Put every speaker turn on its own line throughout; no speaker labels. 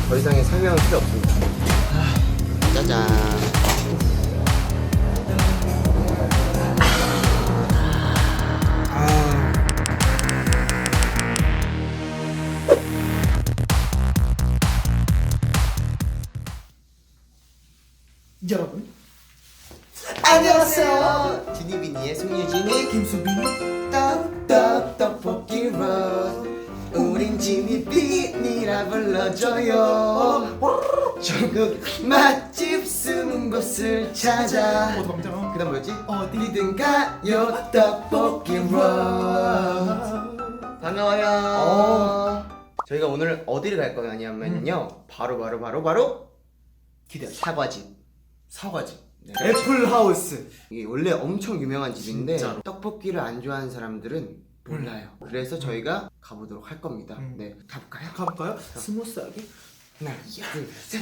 더 이상의 설명은 필요 없습니다. 짜잔.
여러분
안녕하세요. 지니비니의 송유진이
김수빈이
떡떡떡볶이 롯. 우린 지니비니라 불러줘요. 전국 맛집 숨은 곳을 찾아.
도망쳐.
그 다음 뭐였지?
어디든
가요 떡볶이 롯. 반가워요. 저희가 오늘 어디를 갈 거냐면요, 바로
기대하죠.
사과집. 네.
애플하우스.
이게 원래 엄청 유명한 집인데
진짜로.
떡볶이를 안 좋아하는 사람들은 몰라요. 그래서 저희가 가보도록 할 겁니다.
음.
네, 가볼까요?
가볼까요? 스무스하게.
하나, 둘, 셋.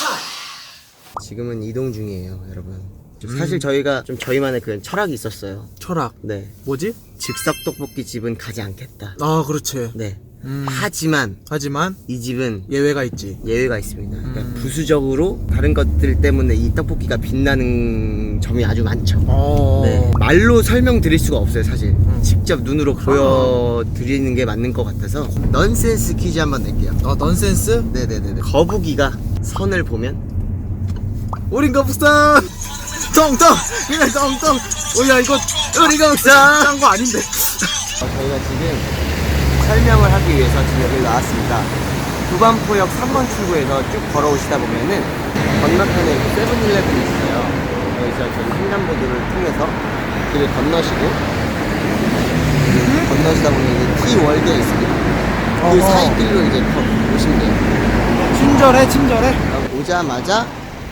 지금은 이동 중이에요, 여러분. 사실 저희가 좀 저희만의 그 철학이 있었어요.
철학.
네,
뭐지?
즉석 떡볶이 집은 가지 않겠다.
아 그렇지.
네. 하지만
하지만
이 집은
예외가 있지.
예외가 있습니다. 그러니까 부수적으로 다른 것들 때문에 이 떡볶이가 빛나는 점이 아주 많죠. 네, 말로 설명드릴 수가 없어요, 사실. 직접 눈으로 보여드리는 게 맞는 것 같아서 넌센스 퀴즈 한번 낼게요.
넌센스?
네네네. 거북이가 선을 보면
우린 거북선. 텅텅. 그냥 텅텅. 오야 이거
우리가 없어.
짠거 아닌데.
저희가 지금 설명을 하기 위해서 지금 여기 나왔습니다. 두반포역 3번 출구에서 쭉 걸어오시다 보면은 건너편에 세븐일레븐이 있어요. 여기서 저희 횡단보도를 통해서 길을 건너시고 건너시다 보면 이제 T월드가 있습니다. 그 사이 길로 이제 오시면 돼요.
친절해.
오자마자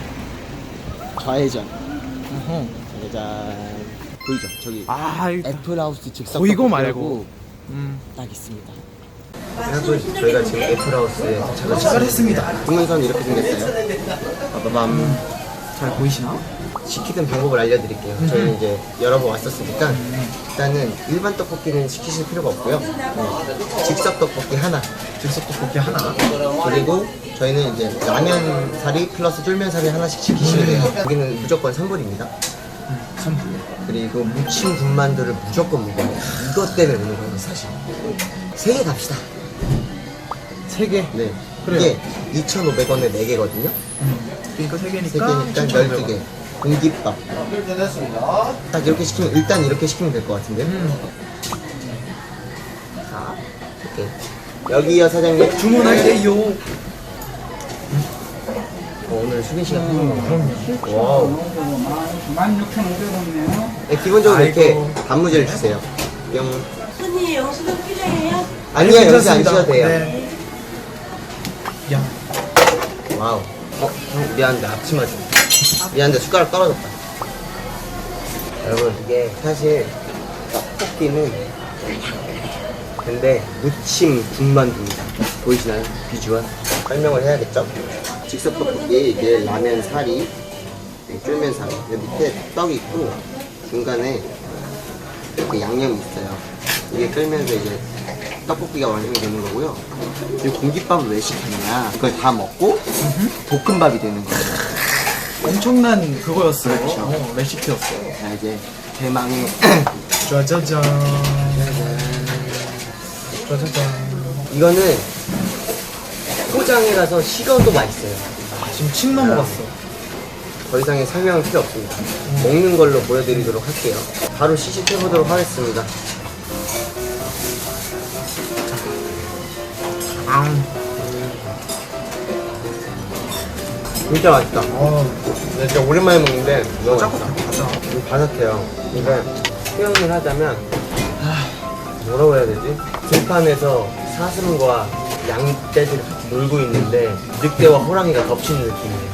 좌회전. 짜잔. 보이죠? 저기
아
애플하우스 즉석
보이고
떡볶이라고
말고.
딱 있습니다. 여러분, 저희가 지금 애플하우스에
도착을 했습니다.
주문서는 이렇게 생겼어요. 빠바밤.
잘 보이시나?
시키는 방법을 알려드릴게요. 저희는 이제 여러 번 왔었으니까 일단은 일반 떡볶이는 시키실 필요가 없고요. 즉석 떡볶이 하나,
즉석 떡볶이 하나.
그리고 저희는 이제 라면 사리 플러스 쫄면 사리 하나씩 시키시면 돼요. 여기는 무조건 선불입니다.
선불.
그리고 무침 군만두를 무조건 먹어요. 이것 때문에 오는 거예요, 사실. 3개 갑시다.
3개.
네.
그래요.
이게 2,500원에 4개거든요.
그러니까 3개니까
3개니까 12개. 공깃밥. 딱 이렇게 시키면, 일단 이렇게 시키면 될 것 같은데. 자, 이렇게. 여기요, 사장님.
주문할게요.
오늘 수빈 씨가 하는 거.
그럼요.
와우.
16,500원이네요.
네, 기본적으로 이렇게
아이고.
단무지를 주세요. 뿅.
손님 영수증 필요해요?
아니요, 여기서 안
괜찮습니다.
주셔도 돼요.
네. 야.
와우. 형, 미안한데 앞치마 좀. 미안한데 숟가락 떨어졌다. 여러분, 이게 사실 떡볶이는 근데 무침 군만두입니다. 보이시나요? 비주얼? 설명을 해야겠죠? 즉석 떡볶이, 이게 라면 사리, 쫄면 사리. 여기 밑에 떡이 있고 중간에 이렇게 양념이 있어요. 이게 끓면서 이제 떡볶이가 완성이 되는 거고요. 그리고 공깃밥을 왜 시켰냐? 이걸 다 먹고 볶음밥이 되는 거예요.
엄청난 그거였어.
그렇죠.
레시피였어.
자, 이제 대망의
짜자잔. 짜자잔.
이거는 포장해 가서 식어도 맛있어요.
지금 침 넘어갔어.
더 이상의 설명은 필요 없습니다. 먹는 걸로 보여드리도록 할게요. 바로 시식해보도록 하겠습니다. 진짜 맛있다. 네, 진짜 오랜만에 먹는데 너무 맛있다. 좀 바삭해요. 그러니까 표현을 하자면 뭐라고 해야 되지? 들판에서 사슴과 양떼들이 같이 놀고 있는데 늑대와 호랑이가 덮치는 느낌이에요.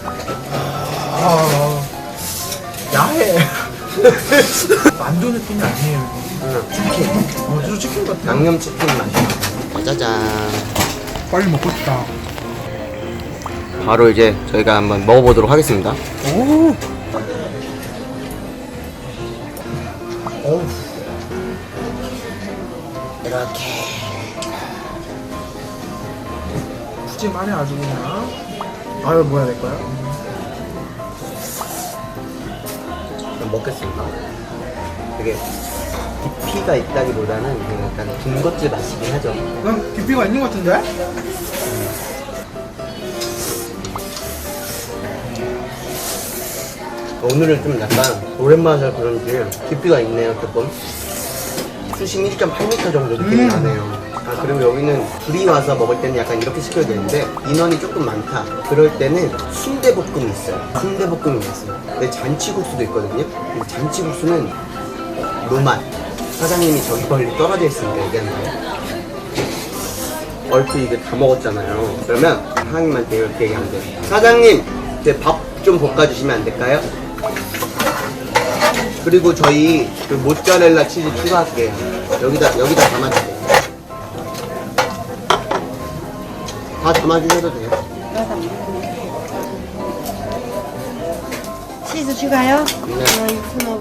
야해. 만두 느낌이 아니에요.
치킨.
진짜 치킨 같아.
양념치킨 맛. 짜잔.
빨리 먹고 싶다.
바로 이제 저희가 한번 먹어보도록 하겠습니다.
오. 어우.
이렇게
푸짐하네 아주 그냥. 아유 뭐야 내 거야?
좀 먹겠습니다. 되게 깊이가 있다기보다는 그냥 약간 군것질 맛이긴 하죠.
난 깊이가 있는 것 같은데?
오늘은 좀 약간 오랜만에 그런지 깊이가 있네요 조금. 수심 1.8m 정도 느낌이 나네요. 아 그리고 여기는 둘이 와서 먹을 때는 약간 이렇게 시켜야 되는데 인원이 조금 많다 그럴 때는 순대볶음이 있어요. 순대볶음이 있어요. 근데 잔치국수도 있거든요. 근데 잔치국수는 노맛. 사장님이 저기 멀리 떨어져 있으니까 얘기하는 거예요. 얼핏 이게 다 먹었잖아요. 그러면 사장님한테 이렇게 얘기하면 돼요. 사장님 제 밥 좀 볶아주시면 안 될까요? 그리고 저희 그 모짜렐라 치즈 추가할게요. 여기다 담아주세요. 다 담아주셔도 돼요.
치즈 추가요?
네.
이거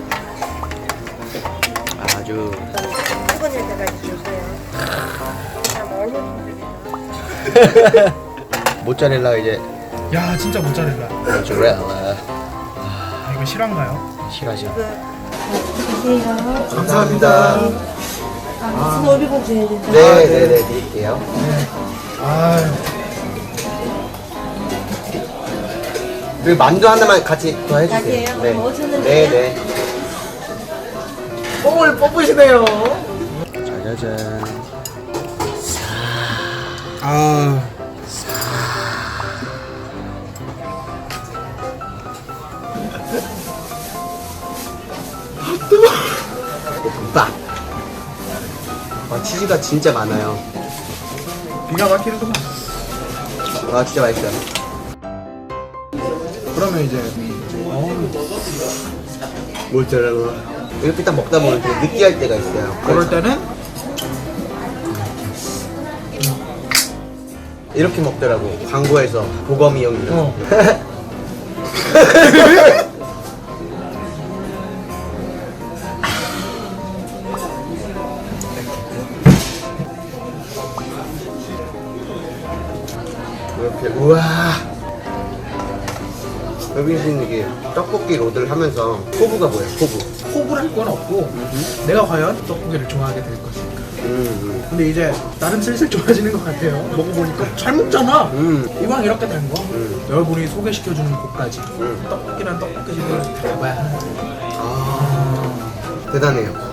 아주
뜨거울 때가 주세요.
모짜렐라가 이제
야 진짜 모짜렐라.
모짜렐라
아, 이거 실화인가요?
싫어하죠.
드세요.
감사합니다.
무슨 오리고 줘야 된다.
네네네 드릴게요.
아
그리고 만두 하나만 같이 더 해주세요.
가게요?
네.
뭐 주는데요?
네네.
뽕을 뽑으시네요.
짜자잔.
아
볶음밥. 와 치즈가 진짜 많아요.
기가 막히는구만.
와 진짜 맛있어요.
그러면 이제
모짜렐라. 이렇게 딱 먹다 보면 되게 느끼할 때가 있어요.
그럴 때는
이렇게 먹더라고. 광고에서 보검이 형이랑.
어.
이렇게 우와. 여기는 이게 떡볶이 로드를 하면서 포부가 뭐예요? 포부.
호불할 건 없고 내가 과연 떡볶이를 좋아하게 될 것인가. 근데 이제 나름 슬슬 좋아지는 것 같아요. 먹어보니까 잘 먹잖아. 이왕 이렇게 된 거 여러분이 소개시켜주는 곳까지 떡볶이란 떡볶이집을 가봐야 하는 거예요.
아 대단해요.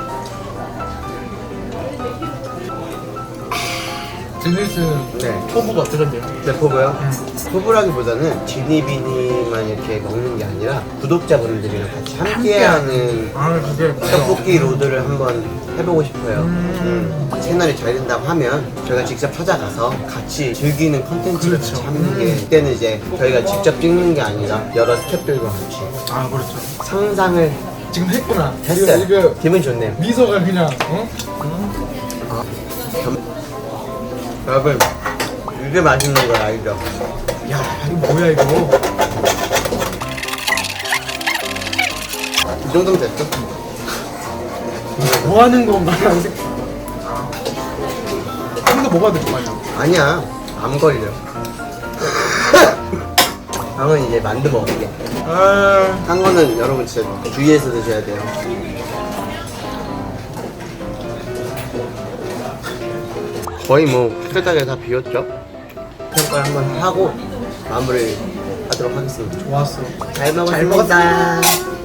드니스
네.
포부가 어떠셨대요?
네, 포부요? 포부라기보다는 지니비니만 이렇게 먹는 게 아니라 구독자분들이랑 같이 함께하는
아 그게
떡볶이 로드를 한번 해보고 싶어요. 채널이 잘 된다고 하면 저희가 직접 찾아가서 같이 즐기는 컨텐츠를
그렇죠.
같이 하는 게 그때는 이제 저희가 직접 찍는 게 아니라 여러 스태프들과 같이
아 그렇죠.
상상을
지금 했구나.
했어요.
이거
기분 좋네요.
미소가 그냥
여러분 이게 맛있는 거 알죠?
야 이거 뭐야 이거.
이 정도면 됐죠?
뭐 하는 건가? 좀더 먹어야 될 거 아니야?
아니야 안 걸려. 형은 이제 만두 먹을게.
아
한 거는 여러분 진짜 주의해서 드셔야 돼요. 거의 뭐 숟가락에 다 비웠죠? 평가를 한번 하고 마무리 하도록 하겠습니다.
좋았어.
잘 먹었습니다.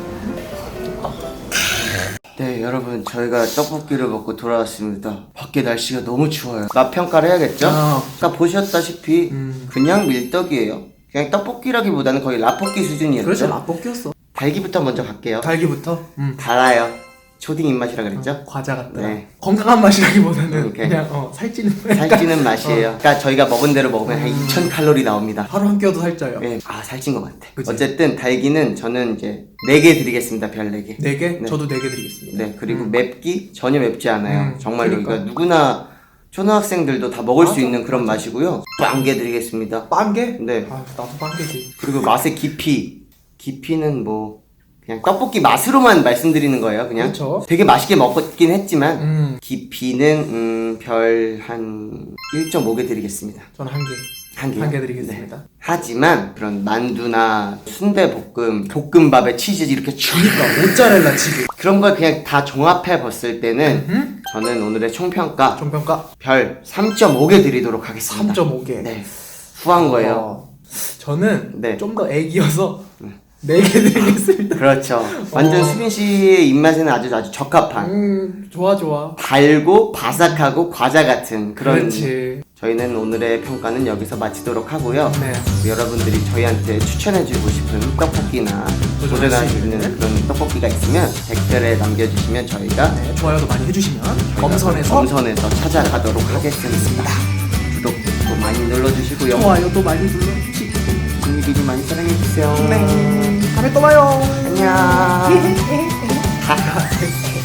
네 여러분 저희가 떡볶이를 먹고 돌아왔습니다. 밖에 날씨가 너무 추워요. 맛 평가를 해야겠죠? 아까 보셨다시피 그냥 밀떡이에요. 그냥 떡볶이라기보다는 거의 라볶이 수준이었죠?
그래서 라볶이였어.
달기부터 먼저 갈게요.
달기부터
달아요. 초딩 입맛이라 그랬죠?
과자 같다.
네.
건강한 맛이라기보다는
오케이.
그냥 살찌는
살찌는 맛이에요. 그러니까 저희가 먹은 대로 먹으면 한 2000칼로리 나옵니다.
하루 한 끼여도 살쪄요.
네. 아 살찐 것 같아.
그치?
어쨌든 달기는 저는 이제 4개 드리겠습니다. 별 4개.
4개?
네.
저도 4개 드리겠습니다.
네 그리고 맵기 전혀 맵지 않아요. 정말로
그러니까.
이거 누구나 초등학생들도 다 먹을 수 있는 그런 맛이고요. 빵개 드리겠습니다.
빵개?
네.
아 나도 빵개지.
그리고 맛의 깊이는 뭐 그냥 떡볶이 맛으로만 말씀드리는 거예요. 그냥
그쵸.
되게 맛있게 먹긴 했지만 깊이는 별 한 1.5개 드리겠습니다.
저는 한 개.
한 개.
드리겠습니다.
하지만 그런 만두나 순대볶음, 볶음밥에 치즈 이렇게 쭉
그러니까 모짜렐라 치즈.
그런 걸 그냥 다 종합해 봤을 때는 저는 오늘의 총평가
종평가
별 3.5개 드리도록 하겠습니다.
3.5개.
네. 후한 거예요.
저는
네.
좀 더 애기여서 4개 드리겠습니다.
그렇죠. 완전 수빈 씨의 입맛에는 아주 적합한
좋아.
달고 바삭하고 과자 같은 그런
그렇지.
저희는 오늘의 평가는 여기서 마치도록 하고요.
네.
여러분들이 저희한테 추천해주고 싶은 떡볶이나 도전할 수 있는 그런 떡볶이가 있으면 댓글에 남겨주시면 저희가
네, 좋아요도 많이 해주시면 검선에서
찾아가도록 하겠습니다. 구독도 많이 눌러주시고요.
좋아요도 많이 눌러주시고
비니 많이 사랑해주세요.
네. 다음에 또 봐요.
안녕.